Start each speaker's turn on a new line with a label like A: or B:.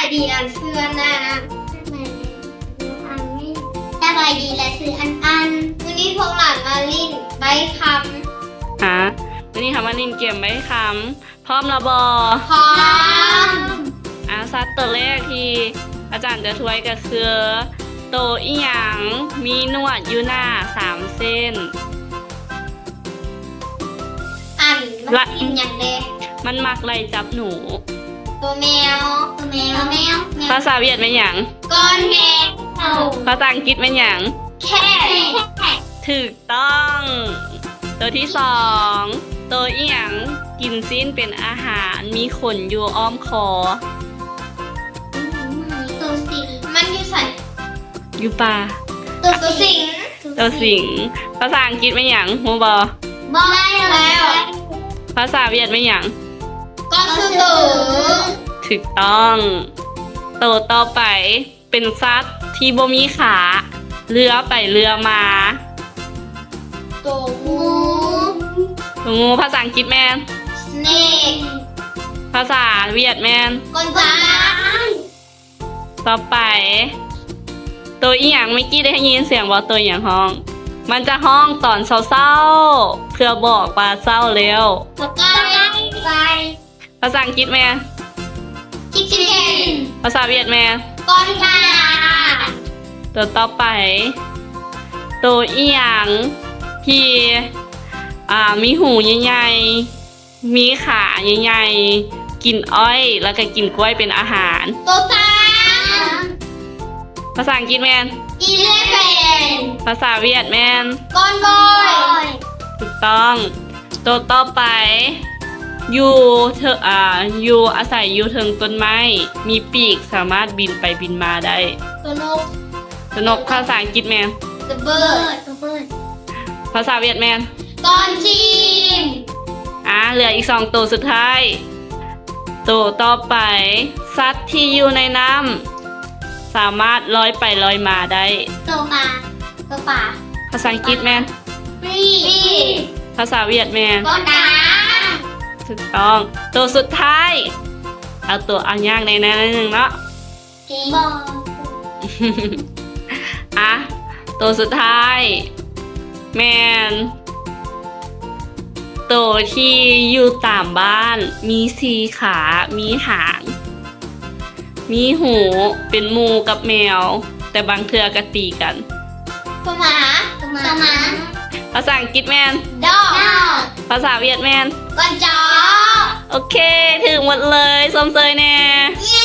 A: ดีอันเสื้อนะสบายดีและซื้ออันวันนี้พวกหลานมาลิ้นใบคำ
B: วันนี้ค่ะมานินเกมไว้คำพร้อมระบอ
A: พร้อม
B: ซัดตัวแรกที่อาจารย์จะทวยก็คือโตอีหยังมีหนวดอยู่หน้า3 เส้น
A: มันกินอย่างเด็ก
B: มันมักไล่จับหนู
A: ตัวแมว
B: ภาษาเวียดเป็นหยัง
A: ก้อนแมว
B: ภาษาอังกฤษเป็นหยัง
A: แค่
B: ถูกต้องตัวที่2ตัวอีหยังกินซีนเป็นอาหารมีขนอยู่อ้อมคอ
A: ตัวสิงมันอยู่ใส่
B: อยู่ป่า
A: ตัวสิง
B: ภาษาอังกฤษเป็นหยังฮู้บ่
A: แล้ว
B: ภาษาเวียดเป็นหยัง
A: ก็คือตัว
B: ถูกต้องตัวต่อไปเป็นสัตว์ที่บ่มีขาเลื้อไปเลื้อมา
A: ตัว
B: งูภาษาอังกฤษแมน
A: snake
B: ภาษาเวียดแมน
A: กอนจ้า
B: ต่อไปตัวอีหยังเมื่อกี้ได้ยินเสียงว่าตัวอีหยังห้องมันจะห้องตอนเศร้าๆเพื่อบอกว่าเศร้าแล้วภาษาอังกฤษแมน
A: chicken
B: ภาษาเวียดแมน
A: กอนจ้า
B: ตัวต่อไปตัวอีหยังที่มีหูใหญ่ๆมีขาใหญ่ๆกินอ้อยแล้วก็กินกล้วยเป็นอาหาร
A: ตัวตา
B: ภาษาอังกฤษแมน
A: elephant
B: ภาษาเวียดแมน
A: ก้อนบอย
B: ถูกต้องตัวต่อไปอยู่อาศัยอยู่ถึงต้นไม้มีปีกสามารถบินไปบินมาได้
A: ตัวน
B: กภาษาอังกฤษแมน
A: the bird
B: ภาษาเวียดแมน
A: ก้อนจีน
B: เหลืออีก2ตัวสุดท้ายตัวต่อไปสัตว์ที่อยู่ในน้ำสามารถลอยไปลอยมาได้
A: ตัวปลา
B: ภาษาอังกฤษแมน
A: ปลี
B: ภาษาเวียดแมน
A: ก้อนดา
B: ถูกต้องตัวสุดท้ายเอาตัวอันยากในนั้นนึงเนาะ
A: บอ
B: ตัวสุดท้ายแมนตัวที่อยู่ตามบ้านมี4 ขามีหางมีหูเป็นหมูกับแมวแต่บางเทื่อก็ตีกัน
A: ตัวหมา
B: ภาษาอังกฤษแมน
A: dog
B: ภาษาเวียดแมน
A: ก้อนจอ
B: โอเคถึงหมดเลยส้มเซยแน่
A: เย้